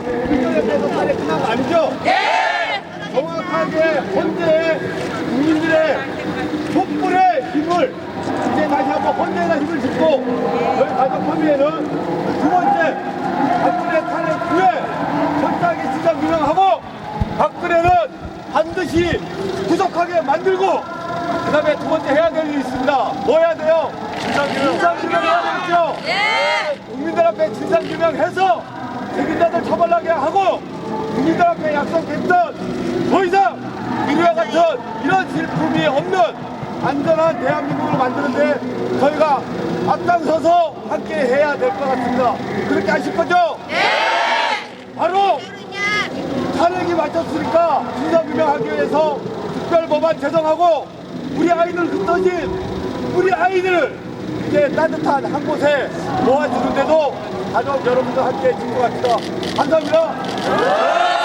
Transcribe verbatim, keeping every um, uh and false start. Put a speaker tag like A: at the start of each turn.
A: 국민들에서 살이 끝난 거 아니죠? 예! 정확하게 헌재의 국민들의 촛불의 힘을 이제 다시 한번 헌재에다 힘을 싣고 저희 가정협의회는 두 번째 박근혜 탄핵 후에 철저하게 진상 규명하고 박근혜는 반드시 구속하게 만들고 그 다음에 두 번째 해야 될 일이 있습니다. 뭐 해야 돼요? 진상규명. 진상규명 해야 되겠죠? 예! 국민들 앞에 진상규명해서 책임자들 처벌하게 하고 국민들 앞에 약속했던 더 이상 이와 같은 이런 질품이 없는 안전한 대한민국을 만드는데 저희가 앞장서서 함께 해야 될 것 같습니다. 그렇게 하실 거죠? 예! 바로 탄핵이 마쳤으니까 진상규명하기 위해서 특별법안 제정하고 우리 아이들 흩어진 우리 아이들을 이제 따뜻한 한 곳에 모아주는데도 가족 여러분들 함께 해줄 것 같습니다. 감사합니다.